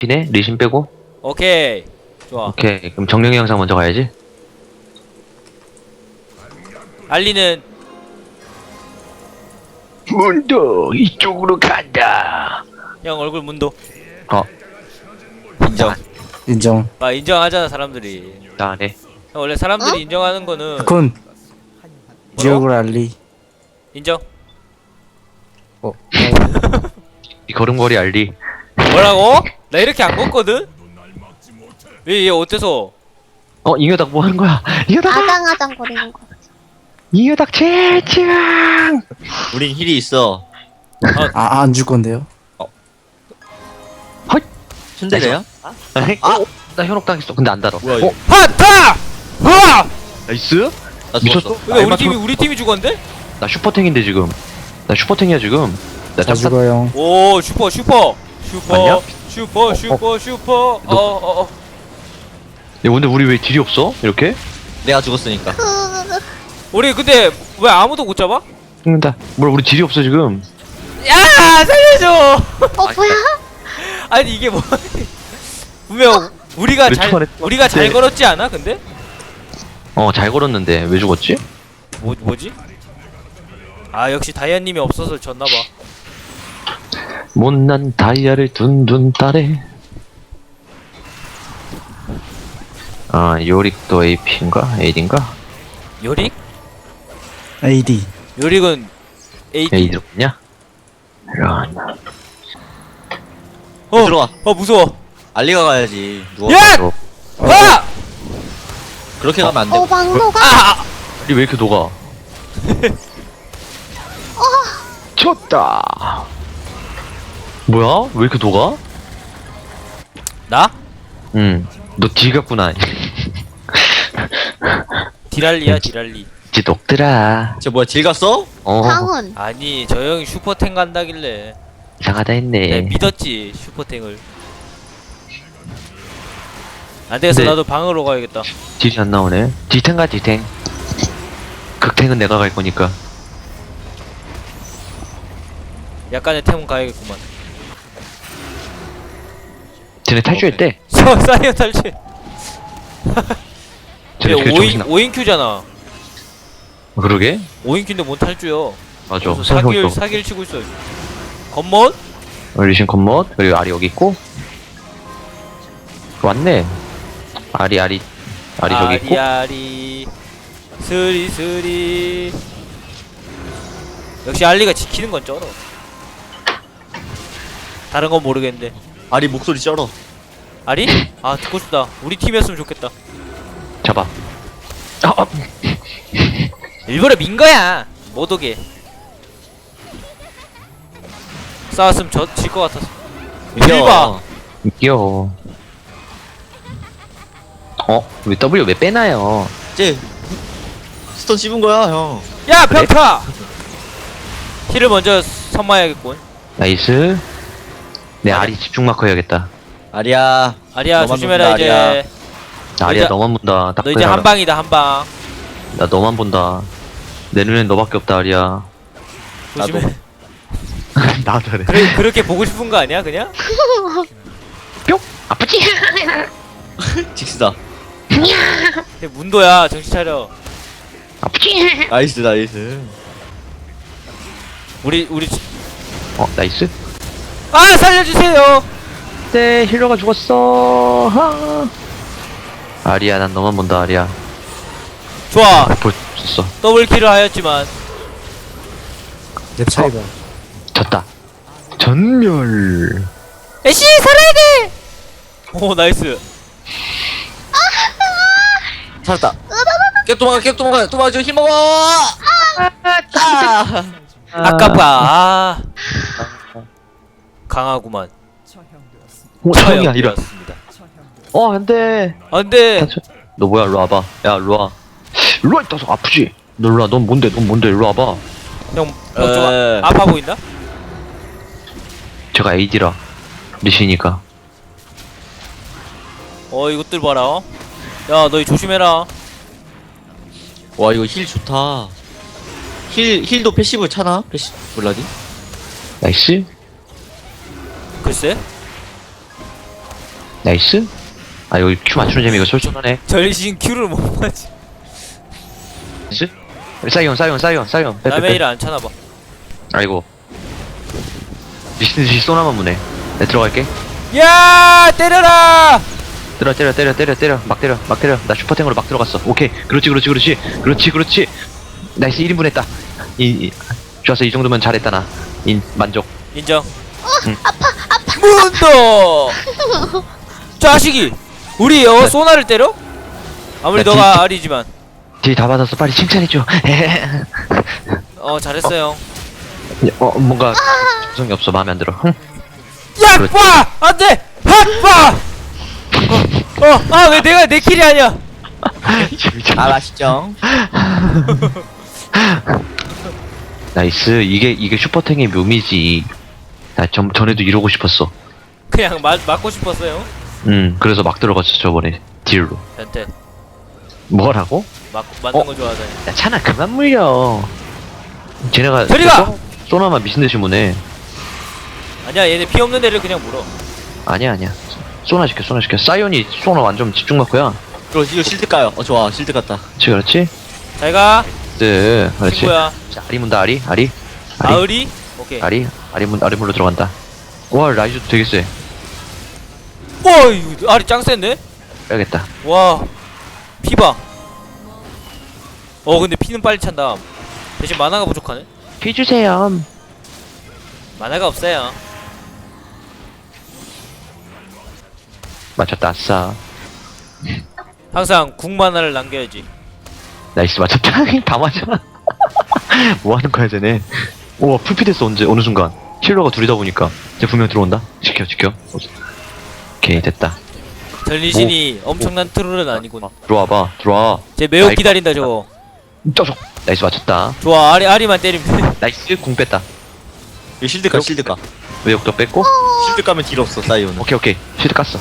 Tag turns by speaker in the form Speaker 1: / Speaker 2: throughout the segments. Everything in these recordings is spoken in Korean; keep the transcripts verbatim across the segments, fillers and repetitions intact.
Speaker 1: 리신해? 리신 빼고?
Speaker 2: 오케이. 좋아.
Speaker 1: 오케이. 그럼 정령의 영상 먼저 가야지.
Speaker 2: 알리는
Speaker 1: 문도 이쪽으로 간다.
Speaker 2: 형 얼굴 문도.
Speaker 1: 어,
Speaker 2: 인정.
Speaker 3: 인정.
Speaker 2: 아 인정하잖아 사람들이.
Speaker 1: 나 안 해.
Speaker 2: 형, 원래 사람들이 인정하는 거는
Speaker 3: 그건 지옥을 알리.
Speaker 2: 인정.
Speaker 3: 어.
Speaker 1: 이 걸음걸이 알리.
Speaker 2: 뭐라고? 나 이렇게 안 걷거든? 왜 얘 어때서?
Speaker 1: 어, 잉여닭 뭐 하는 거야? 잉여닭!
Speaker 4: 아장아장 거리는 거.
Speaker 1: 잉여닭 채팅!
Speaker 5: 우린 힐이 있어.
Speaker 3: 아, 안 줄 건데요?
Speaker 5: 츤데레야?
Speaker 1: 아, 어? 나 현혹 당했어. 근데 안 달아.
Speaker 5: 뭐야,
Speaker 1: 어,
Speaker 2: 하타! 하!
Speaker 1: 나이스?
Speaker 5: 나
Speaker 1: 미쳤어?
Speaker 5: 죽었어.
Speaker 2: 근데 우리
Speaker 1: 알맞-
Speaker 2: 팀이 우리 팀이 죽었는데?
Speaker 1: 나 슈퍼탱인데 지금. 나 슈퍼탱이야 지금. 나
Speaker 3: 다
Speaker 1: 탑
Speaker 3: 죽어요.
Speaker 2: 오 슈퍼 슈퍼 슈퍼
Speaker 1: 맞냐?
Speaker 2: 슈퍼 슈퍼 슈퍼
Speaker 1: 너-
Speaker 2: 어어어
Speaker 1: 야, 근데 우리 왜 딜이 없어? 이렇게?
Speaker 5: 내가 죽었으니까.
Speaker 2: 우리 근데 왜 아무도 못 잡아?
Speaker 1: 죽는다. 뭘 우리 딜이 없어 지금.
Speaker 2: 야 살려줘.
Speaker 4: 어 뭐야?
Speaker 2: 아니 이게 뭐 분명 우리가
Speaker 1: 왜
Speaker 2: 잘
Speaker 1: 초반에
Speaker 2: 우리가 잘
Speaker 1: 네.
Speaker 2: 걸었지 않아 근데?
Speaker 1: 어, 잘 걸었는데 왜 죽었지?
Speaker 2: 뭐 뭐지? 아 역시 다이아님이 없어서 졌나봐.
Speaker 1: 못난 다이아를 둔둔 따래. 아, 요릭도 에이피인가? 에이디인가?
Speaker 2: 요릭?
Speaker 3: 에이디.
Speaker 2: 요릭은 에이디.
Speaker 1: 에이디로 있냐? 이런.
Speaker 2: 어
Speaker 5: 들어와.
Speaker 2: 어 무서워.
Speaker 5: 알리가 가야지. 누워.
Speaker 2: 야!
Speaker 1: 어,
Speaker 2: 아!
Speaker 5: 그렇게 가면 안 돼.
Speaker 4: 어 막노가.
Speaker 2: 아!
Speaker 1: 우리 왜 이렇게 녹아? 쳤다. 뭐야? 왜 이렇게 녹아?
Speaker 2: 나?
Speaker 1: 응. 너 딜 같구나.
Speaker 2: 디랄리야 디랄리.
Speaker 1: 이제 녹더라.
Speaker 5: 쟤 뭐야, 딜 갔어?
Speaker 1: 어.
Speaker 4: 방은.
Speaker 2: 아니 저 형이 슈퍼탱 간다길래
Speaker 1: 이상하다 했네.
Speaker 2: 내가 믿었지 슈퍼탱을. 안되겠어
Speaker 1: 근데-
Speaker 2: 나도 방으로 가야겠다.
Speaker 1: 딜이 안 나오네. 딜탱 가 딜탱. 극탱은 내가 갈 거니까.
Speaker 2: 약간의 템은 가야겠구만.
Speaker 1: 쟤네 탈주했대.
Speaker 2: 서 사이언 탈취.
Speaker 1: 쟤네
Speaker 2: 얘
Speaker 1: 되게 정신
Speaker 2: 5인,
Speaker 1: 나.
Speaker 2: 5인큐잖아
Speaker 1: 그러게?
Speaker 2: 5인큐인데 뭔 탈주여.
Speaker 1: 맞아.
Speaker 2: 그래서 사기를 사기를 치고 있어. 겉멋?
Speaker 1: 리신 컴봇 그리고 아리 여기 있고. 왔네. 아리 아리 아리 저기 있고.
Speaker 2: 아리아리 스리스리. 역시 알리가 지키는 건 쩔어. 다른 건 모르겠는데.
Speaker 5: 알리 목소리 쩔어.
Speaker 2: 아리? 아 듣고 싶다. 우리 팀이었으면 좋겠다.
Speaker 1: 잡아. 아, 아.
Speaker 2: 일부러 민 거야. 못 오게. 싸웠으면 저질것 같아서. 일봐.
Speaker 1: 귀여워. 어? 왜 W 왜 빼나요?
Speaker 5: 쟤 스톤 씹은 거야, 형.
Speaker 2: 야
Speaker 1: 그래?
Speaker 2: 평타. 힐을 먼저 선마해야겠군.
Speaker 1: 나이스. 내
Speaker 2: 아리-
Speaker 1: 아리 집중 마커 해야겠다.
Speaker 5: 아리야.
Speaker 2: 아리야
Speaker 5: 너만
Speaker 2: 조심해라
Speaker 5: 본다,
Speaker 2: 이제.
Speaker 5: 아리야.
Speaker 1: 나 아리야
Speaker 2: 이제-
Speaker 1: 너만 본다. 딱
Speaker 2: 너 이제
Speaker 1: 그래,
Speaker 2: 한 방이다 한 방.
Speaker 1: 나 너만 본다. 내 눈엔 너밖에 없다 아리야.
Speaker 2: 조심해.
Speaker 1: 나도 그래.
Speaker 2: 그래 그렇게 보고 싶은 거 아니야 그냥?
Speaker 1: 뿅! 아프지?
Speaker 5: 직스다.
Speaker 2: 걔 문도야 정신 차려.
Speaker 1: 아프지?
Speaker 5: 나이스, 나이스.
Speaker 2: 우리 우리
Speaker 1: 어 나이스.
Speaker 2: 아 살려주세요.
Speaker 1: 네 힐러가 죽었어. 하. 아리야 난 너만 본다 아리야.
Speaker 2: 좋아
Speaker 1: 보였어.
Speaker 2: 더블 킬을 하였지만
Speaker 3: 내 차이가.
Speaker 1: 졌다. 전멸.
Speaker 2: 애쉬 살아야 돼. 오 나이스.
Speaker 5: 살았다. 깨 도망가, 깨 도망가, 도망가, 힘 먹어! 아!
Speaker 2: 아깝다. 아 강하구만.
Speaker 1: 오 처형이야 이런.
Speaker 2: 처형되었습니다.
Speaker 1: 어 안돼.
Speaker 2: 안돼.
Speaker 1: 너 뭐야 일로 와봐. 야 일로 와. 일로 와 이따서 아프지? 너 일로 와. 넌 뭔데? 넌 뭔데? 일로 와봐.
Speaker 2: 형형좀
Speaker 5: 에.
Speaker 2: 아파 보인다?
Speaker 1: 제가 에이디라. 리시니까.
Speaker 2: 어 이것들 봐라. 어? 야 너희 조심해라.
Speaker 5: 와, 이거 힐 좋다. 힐, 힐도 패시브 차나? 패시, 몰라디?
Speaker 1: 나이스.
Speaker 2: 글쎄.
Speaker 1: 나이스. 아 여기 큐 맞추는 재미가 솔솔하네.
Speaker 2: 전신 Q를 못 맞지.
Speaker 1: 나이스. 사이온 사이온 사이온 사이온. 빼, 빼,
Speaker 2: 남의
Speaker 1: 빼.
Speaker 2: 일을 안 차나봐.
Speaker 1: 아이고. 미친 듯이 쏘나만 무네. 내 들어갈게.
Speaker 2: 야 때려라.
Speaker 1: 때려 때려 때려 때려 때려 막 때려 막 때려. 나 슈퍼탱으로 막 들어갔어. 오케이. 그렇지 그렇지 그렇지 그렇지 그렇지. 나이스 일 인분 했다. 이, 이 좋았어. 이 정도면 잘했다 나. 인 만족.
Speaker 2: 인정.
Speaker 1: 응.
Speaker 2: 아파 아파. 문도. 자식이. 우리 어 소나를 때려? 아무리
Speaker 1: 나
Speaker 2: 너가
Speaker 1: 딜-
Speaker 2: 아리지만.
Speaker 1: 딜 다 받았어. 빨리 칭찬해줘.
Speaker 2: 어 잘했어요.
Speaker 1: 어 뭔가 정성이 없어. 마음에 안 들어. 흠.
Speaker 2: 야
Speaker 1: 그렇지.
Speaker 2: 빠 안돼. 핫빠. 어아 왜 내가 내 킬이 아니야?
Speaker 5: 아 맛있죠.
Speaker 1: 나이스. 이게 이게 슈퍼탱의 묘미지. 나 전, 전에도 이러고 싶었어.
Speaker 2: 그냥 맞 맞고 싶었어요.
Speaker 1: 음 그래서 막 들어갔어 저번에 딜로.
Speaker 2: 변태.
Speaker 1: 뭐라고?
Speaker 2: 맞 맞는
Speaker 1: 어?
Speaker 2: 거 좋아하다니.
Speaker 1: 야 찬아 그만 물려. 쟤네가
Speaker 2: 저리 가!
Speaker 1: 쏘- 쏘나만 미친듯이 무네.
Speaker 2: 아니야 얘네 피 없는 데를 그냥 물어.
Speaker 1: 아니야 아니야. 쏘나 시켜 쏘나 시켜. 사이온이 쏘나 완전 집중 맞고야.
Speaker 5: 이거 이거 실드 까요. 어 좋아 실드 갔다.
Speaker 1: 그렇지 그렇지.
Speaker 2: 잘가.
Speaker 1: 네 그렇지.
Speaker 2: 친구야.
Speaker 1: 자, 아리 문다 아리 아리 아리
Speaker 2: 아으리. 오케이.
Speaker 1: 아리 아리 문 아리 문으로 들어간다. 와 라이즈도 되게 세.
Speaker 2: 와 이거 아리 짱 센데?
Speaker 1: 빼야겠다.
Speaker 2: 와 피봐. 어 근데 피는 빨리 찬다. 대신 만화가 부족하네.
Speaker 1: 피 주세요.
Speaker 2: 만화가 없어요.
Speaker 1: 맞췄다 아싸.
Speaker 2: 항상 궁 만화를 남겨야지.
Speaker 1: 나이스 맞췄다. 다 맞아. 뭐 하는 거야 쟤네. 우와 풀피 됐어. 언제 어느 순간 킬러가 둘이다 보니까 쟤 분명 들어온다. 지켜 지켜. 오케이 됐다.
Speaker 2: 전리신이 엄청난 트롤은 아니군.
Speaker 1: 들어와봐 들어와.
Speaker 2: 쟤 매우
Speaker 1: 아이고.
Speaker 2: 기다린다 저거.
Speaker 1: 쪼족. 나이스 맞췄다.
Speaker 2: 좋아 아리 아리만 때리면 돼.
Speaker 1: 나이스 궁 뺐다.
Speaker 5: 이거 실드 까 실드 까.
Speaker 1: 외역도 뺐고.
Speaker 5: 실드 까면 딜 없어 사이오는.
Speaker 1: 오케이 오케이 실드 깠어.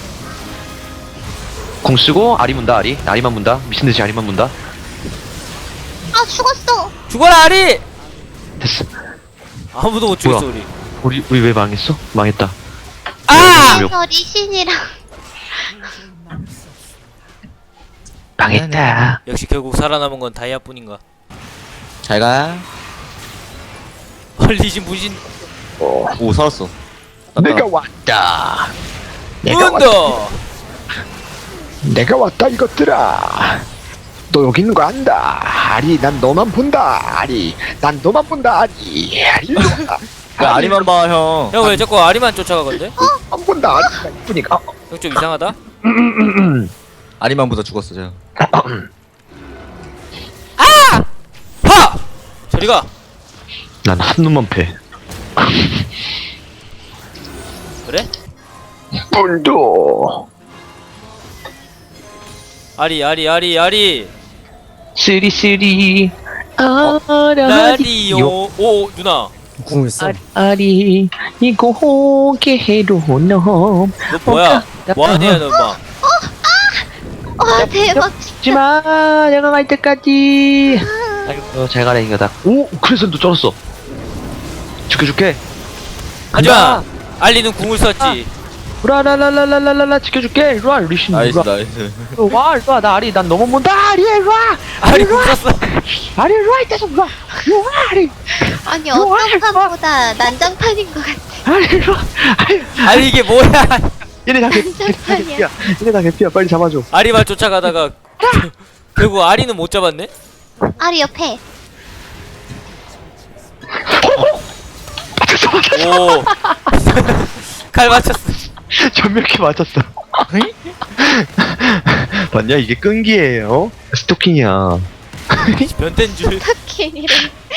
Speaker 1: 궁 쓰고 아리 문다 아리. 아리만 문다. 미친듯이 아리만 문다.
Speaker 4: 아 죽었어.
Speaker 2: 죽어라 아리.
Speaker 1: 됐어.
Speaker 2: 아무도 못 죽였어
Speaker 1: 뭐야?
Speaker 2: 우리.
Speaker 1: 우리 우리 왜 망했어? 망했다.
Speaker 2: 아!
Speaker 1: 왜-
Speaker 4: 그래서 리신이랑
Speaker 1: 망했다.
Speaker 2: 역시 결국 살아남은 건 다이아뿐인가.
Speaker 5: 잘 가.
Speaker 2: 헐리신 무신
Speaker 5: 오 살았어.
Speaker 1: 내가 왔다. 내가
Speaker 2: 문도.
Speaker 1: 내가 왔다 이것들아. 너 여기 있는 거 안다. 아리 난 너만 본다. 아리 난 너만 본다. 아리 아리 일로 와.
Speaker 5: 왜 아리만 봐 형.
Speaker 2: 형 왜 자꾸 아리만 쫓아가건데?
Speaker 1: 안 본다. 아리가 이쁘니까.
Speaker 2: 형 좀 이상하다.
Speaker 5: 아리만보다 죽었어 저.
Speaker 2: 하! 저리가.
Speaker 1: 난 한 놈만 패.
Speaker 2: 그래?
Speaker 1: 뿔도
Speaker 2: 아리 아리 아리 아리.
Speaker 1: 쓰리쓰리
Speaker 2: 라디오. 오 누나.
Speaker 3: 궁을 써.
Speaker 1: 아리 이거 호게로 놈.
Speaker 2: 너 뭐야? 뭐하냐 너 막.
Speaker 4: 와 대박.
Speaker 1: 죽지마 내가 갈 때까지. 아이고 잘 가라 이거다. 오 그래서 너 쩔었어. 줄게 줄게.
Speaker 2: 하지마. 알리는 궁을 썼지.
Speaker 1: 라라라라라라라 지켜줄게. 일로와 리신
Speaker 5: 나이스
Speaker 1: 일로와.
Speaker 5: 나이스.
Speaker 1: 일로와 일로와 나 아리 난 너무 본다. 아리 일로와.
Speaker 2: 아리 궁 썼어.
Speaker 1: 아리 일로와 이따 좀 일로와. 일로와 아리.
Speaker 4: 아니
Speaker 1: 좋아,
Speaker 4: 어떤
Speaker 1: 좋아.
Speaker 4: 판보다 난장판인 것 같아.
Speaker 1: 아리 일로와. 아리.
Speaker 2: 아니 이게 뭐야?
Speaker 1: 얘네 다 개피. 얘네 다 개피야. 얘네 다 개피야. 빨리 잡아줘.
Speaker 2: 아리만 쫓아가다가 결국 아리는 못 잡았네.
Speaker 4: 아리 옆에.
Speaker 2: 오. 칼 맞췄어.
Speaker 1: 전멸키 맞았어. 봤냐 이게 끈기예요. 스토킹이야.
Speaker 2: 변태인 줄.
Speaker 4: 타키니를.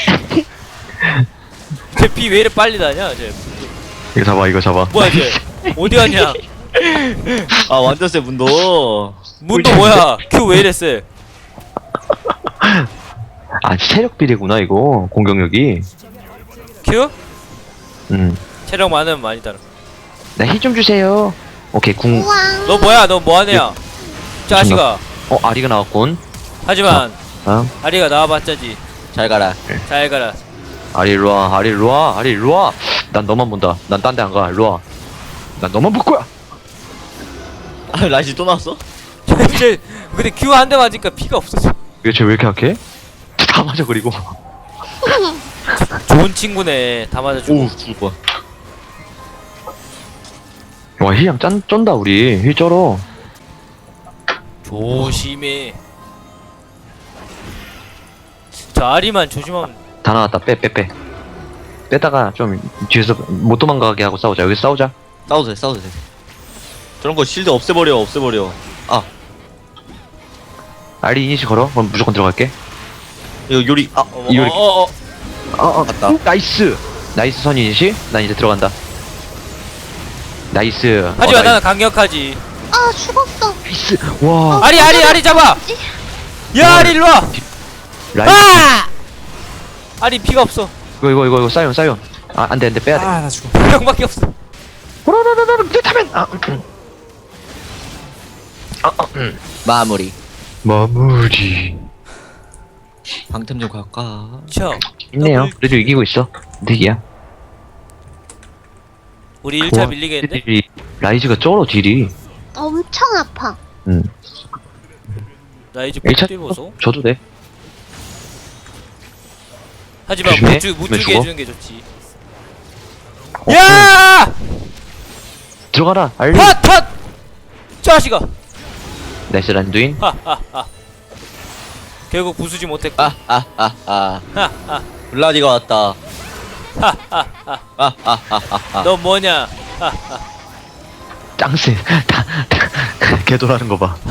Speaker 2: 쟤피 왜 이래 빨리 다냐 쟤.
Speaker 1: 이거 잡아 이거 잡아.
Speaker 2: 뭐야 쟤. 어디 갔냐.
Speaker 5: 아 완전 세 문도.
Speaker 2: 문도 뭐야. 큐 왜 이래 세.
Speaker 1: 아 체력 비례구나 이거 공격력이.
Speaker 2: 큐?
Speaker 1: 음.
Speaker 2: 체력 많으면 많이 따라.
Speaker 1: 나 힐 좀 주세요. 오케이 궁.
Speaker 4: 우와.
Speaker 2: 너 뭐야 너 뭐하냐. 자식아.
Speaker 1: 어 아리가 나왔군.
Speaker 2: 하지만
Speaker 1: 어?
Speaker 2: 아리가 나와봤자지.
Speaker 5: 잘 가라.
Speaker 2: 잘 가라.
Speaker 1: 아리 일로와 아리 일로와 아리 일로와. 난 너만 본다. 난 딴 데 안 가. 일로와. 난 너만 볼 거야.
Speaker 5: 라이즈 또 나왔어?
Speaker 2: 쟤 근데 큐 한 대 맞으니까 피가 없어져.
Speaker 1: 이게 쟤왜 이렇게 약해? 다 맞아 그리고.
Speaker 2: 좋은 친구네. 다 맞아주고.
Speaker 5: 오 죽을 거야.
Speaker 1: 와 힐량 짠 쩐다 우리 힐 쩔어.
Speaker 2: 조심해. 저 아리만 조심하면.
Speaker 1: 다 나왔다 빼 빼 빼. 빼다가 좀 뒤에서 못 도망가게 하고 싸우자. 여기 싸우자.
Speaker 5: 싸워도 돼 싸워도 돼. 저런 거 실드 없애버려 없애버려. 아
Speaker 1: 알리 이니시 걸어. 그럼 무조건 들어갈게.
Speaker 5: 이거 요리 아
Speaker 2: 어머,
Speaker 1: 이효리.
Speaker 2: 어, 어, 어.
Speaker 1: 어어
Speaker 5: 맞다.
Speaker 1: 나이스. 나이스 선 이니시. 난 이제 들어간다. 나이스.
Speaker 2: 하지만
Speaker 1: 어,
Speaker 2: 나는 강력하지.
Speaker 4: 아, 죽었어.
Speaker 1: 나이스. 와.
Speaker 2: 아리 아리 아리 잡아. 야 아리 일로 와.
Speaker 1: 라이스.
Speaker 2: 아! 아리 피가 없어.
Speaker 1: 이거 이거 이거 이거 사이온 사이온. 아 안돼 안돼 빼야 돼.
Speaker 3: 아 나 죽어.
Speaker 2: 명밖에 없어.
Speaker 1: 호로로로로 내 타면. 아. 음. 아, 아, 음.
Speaker 5: 마무리.
Speaker 1: 마무리.
Speaker 5: 방템 좀 갈까?
Speaker 2: 자,
Speaker 1: 있네요. 그래도 이기고 있어. 득이야.
Speaker 2: 우리 일 차
Speaker 1: 와,
Speaker 2: 밀리겠는데?
Speaker 1: 딜이- 라이즈가 쩔어 딜이.
Speaker 4: 엄청 아파.
Speaker 1: 응.
Speaker 2: 나 이제
Speaker 1: 일 차
Speaker 2: 폭딜 보소.
Speaker 1: 줘도 돼.
Speaker 2: 하지만
Speaker 1: 조심해.
Speaker 2: 못, 주, 못
Speaker 1: 왜
Speaker 2: 주게
Speaker 1: 죽어?
Speaker 2: 해주는 게 좋지.
Speaker 1: 어,
Speaker 2: 야!
Speaker 1: 들어가라. 알리.
Speaker 2: 헛! 헛! 자식아!
Speaker 1: 나이스 란두인.
Speaker 2: 하하하. 결국 부수지 못했고.
Speaker 5: 아아아아
Speaker 2: 하하하.
Speaker 5: 블라디가 왔다.
Speaker 2: 하하하.
Speaker 5: 아아아아아
Speaker 2: 너 뭐냐?
Speaker 1: 짱세. 다, 다 개돌하는 거 봐.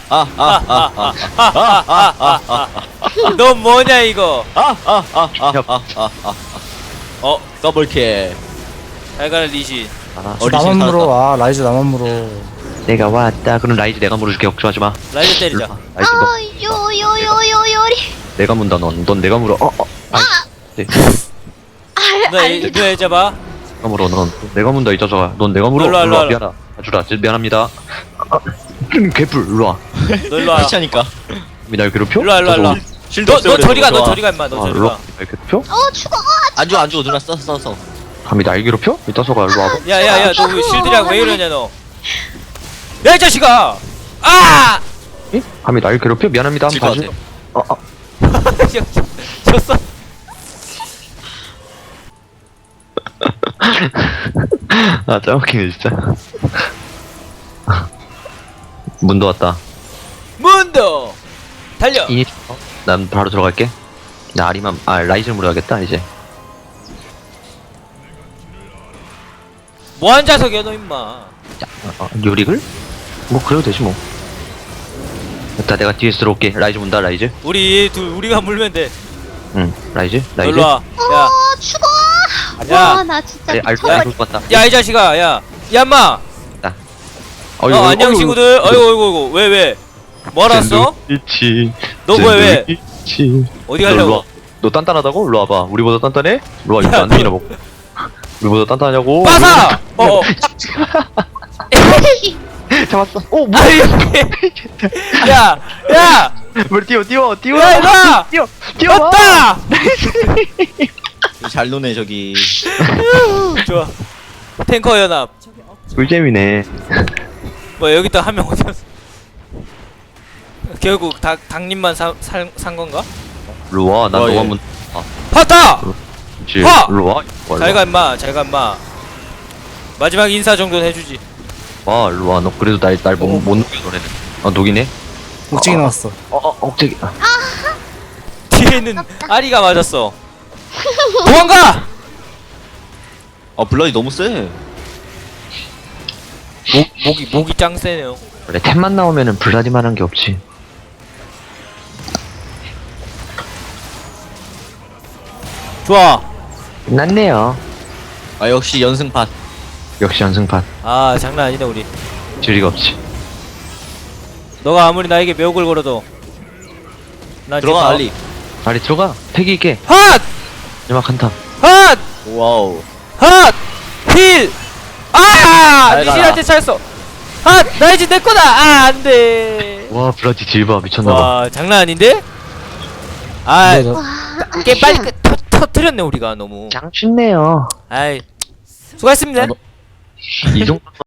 Speaker 2: 너 뭐냐 이거?
Speaker 5: 아아아아아아
Speaker 2: 어?
Speaker 5: 더블킬.
Speaker 2: 잘 가라 리신.
Speaker 1: 아,
Speaker 3: 저
Speaker 5: 어리신
Speaker 3: 나만
Speaker 5: 살았다.
Speaker 3: 물어. 아 라이즈 나만 물어.
Speaker 1: 내가 왔다. 그럼 라이즈 내가 물어줄게. 걱정하지 마.
Speaker 2: 라이즈 때리자.
Speaker 1: 라이즈 너,
Speaker 4: 아, 요, 요, 요, 요, 요리.
Speaker 1: 내가 문다. 넌, 넌 내가 물어. 어, 어. 아, 네.
Speaker 2: 너 애- 너 애잡아.
Speaker 1: 내가 물어. 넌 내가 문다 이 자식아. 넌 내가 물어.
Speaker 2: 일로 와, 일로 와, 일로
Speaker 1: 미안하. 아주라. 진짜 미안합니다. 아, 음, 개뿔. 일로 와.
Speaker 2: 너 일로 와.
Speaker 5: 귀찮으니까.
Speaker 1: 날 괴롭혀?
Speaker 2: 일로 와 일로 와 일로 와.
Speaker 5: 실드
Speaker 2: 너, 너
Speaker 5: 없애버려.
Speaker 2: 저리 가. 너
Speaker 5: 좋아.
Speaker 2: 저리 가 임마. 너
Speaker 1: 아,
Speaker 2: 저리
Speaker 1: 일로
Speaker 2: 가.
Speaker 1: 와. 날 괴롭혀?
Speaker 4: 어, 죽어.
Speaker 5: 안 죽어 안 죽어 누나 써서 써서.
Speaker 1: 감히 날 괴롭혀? 이 자식아 일로 와봐.
Speaker 2: 야야야 너 왜 실드랑 왜 이러냐 너. 야 이 자식아. 아!
Speaker 1: 응? 감히 날 괴롭혀? 미안합니다.
Speaker 5: 질것
Speaker 1: 한번
Speaker 5: 같아.
Speaker 1: 봐줘. 어, 어.
Speaker 2: 졌어.
Speaker 1: 아, 짱 웃기네, 진짜. 문도 왔다.
Speaker 2: 문도 달려.
Speaker 1: 이니, 어? 난 바로 들어갈게. 나 아리만, 아, 라이즈를 물어야겠다, 이제.
Speaker 2: 뭐한 자석이야 너 임마.
Speaker 1: 자, 어, 어, 요릭을? 뭐, 그래도 되지, 뭐. 됐다, 내가 뒤에서 들어올게. 라이즈 문다, 라이즈.
Speaker 2: 우리 둘 우리가 물면 돼.
Speaker 1: 응, 라이즈?
Speaker 2: 너
Speaker 1: 라이즈?
Speaker 2: 일로 와. 야.
Speaker 4: 어, 죽어.
Speaker 2: 야.
Speaker 4: 와, 나 진짜
Speaker 1: 아리, 알고,
Speaker 4: 미쳐버리.
Speaker 1: 알고 왔다.
Speaker 2: 야 이 자식아. 야. 야 임마.
Speaker 1: 어이,
Speaker 2: 어
Speaker 1: 어이,
Speaker 2: 안녕
Speaker 1: 어이,
Speaker 2: 친구들. 어이구 어이구 어이구. 왜 왜? 뭐 알았어?
Speaker 1: 샌드위치.
Speaker 2: 너 뭐야, 왜?
Speaker 1: 샌드위치.
Speaker 2: 어디
Speaker 1: 너 일로
Speaker 2: 가려고?
Speaker 1: 와. 너 단단하다고? 일로 와봐. 우리보다 단단해? 일로 와, 이거
Speaker 2: 야,
Speaker 1: 안 되나 보고. 우리보다 단단하냐고?
Speaker 2: 빠사. 어어.
Speaker 1: 잡았어. 오, 뭐야?
Speaker 2: 아이. 야. 야.
Speaker 1: 뭘 뛰어, 뛰어, 뛰어.
Speaker 2: 야 이봐.
Speaker 1: 뛰어, 뛰어.
Speaker 2: 왔다.
Speaker 5: 잘 노네 저기.
Speaker 2: 좋아. 탱커 연합.
Speaker 1: 꿀잼이네.
Speaker 2: 뭐 여기 또 한 명 어디 갔어? 결국 닭 닭님만 산 산 건가?
Speaker 1: 일로 와, 난
Speaker 5: 어,
Speaker 1: 너만
Speaker 5: 예.
Speaker 1: 문.
Speaker 2: 봤다.
Speaker 1: 지
Speaker 2: 와!
Speaker 1: 일로 와.
Speaker 2: 잘 가 임마. 잘 가 임마. 마지막 인사 정도는 해주지.
Speaker 1: 와, 일로 와. 너 그래도 날날못 못 녹여 너네는. 아, 녹이네.
Speaker 3: 목적이 나왔어.
Speaker 1: 어, 어, 억제기. 아,
Speaker 2: 뒤에는 아리가 맞았어. 도망가.
Speaker 5: 아 블라디 너무 세.
Speaker 2: 목 목이 목이 짱 세네요.
Speaker 1: 원래 템만 나오면은 블라디만한 게 없지.
Speaker 2: 좋아.
Speaker 1: 끝났네요.
Speaker 5: 아 역시 연승판.
Speaker 1: 역시 연승판.
Speaker 2: 아 장난 아니네 우리.
Speaker 1: 지리가 없지.
Speaker 2: 너가 아무리 나에게 매혹을 걸어도 난
Speaker 5: 들어가 알리.
Speaker 1: 빨리 들어가. 패기 있게.
Speaker 2: 핫!
Speaker 1: 마지막 한타.
Speaker 2: 핫!
Speaker 5: 와우.
Speaker 2: 핫! 힐! 아!
Speaker 5: 잘 가라.
Speaker 2: 리신한테 차였어. 핫! 나 이제 내 거다. 아, 안 돼.
Speaker 1: 와, 블라디 딜바 미쳤나 봐.
Speaker 2: 와, 장난 아닌데? 아,
Speaker 3: 근데 저-
Speaker 4: 와.
Speaker 2: 게 빨리 끝- 터, 터뜨렸네 우리가 너무.
Speaker 1: 짱 쉽네요.
Speaker 2: 아이. 수고했습니다.
Speaker 5: 아, 너-
Speaker 1: 이 정도